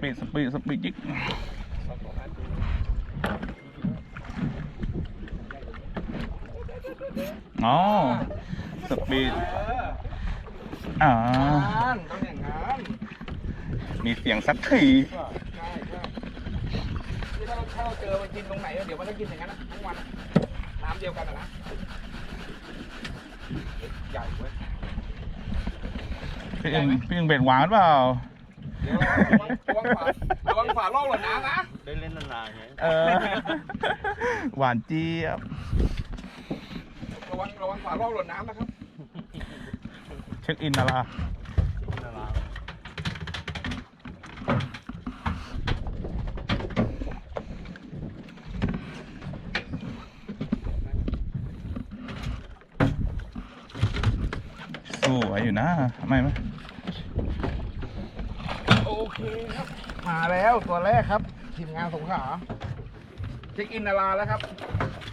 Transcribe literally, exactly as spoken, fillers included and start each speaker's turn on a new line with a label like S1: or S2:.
S1: ปีดสปีดสปีดยิกอ๋อสปีดอ่า
S2: ต้องอย่างนั้น
S1: มีเสียงสักที
S2: ใช่ใช่ที่ถ้าถ้าเราเจอมันกินตรงไหนเดี๋ยวมันก็กินอย่างนั้นทั้งวันน้ำเดียวกันนะใหญ่เว้ย
S1: พี่อึ่งพี่อึ่งเบ็ดหวานเปล่า
S2: เดี๋ยวระวังฝาระวังฝาล่องหล่นน้ำนะ
S3: ได้เล่นนานๆไง
S1: เออหวานเจี๊ยบ
S2: ระวังระวังฝาล่องหล่นน้ำนะครับ
S1: เช็คอินนะล่ะสวยอยู่นะไม่ไหม
S2: โอเคครับมาแล้วตัวแรกครับทีมงานสงขลาเช็คอินนาราแล้วครับ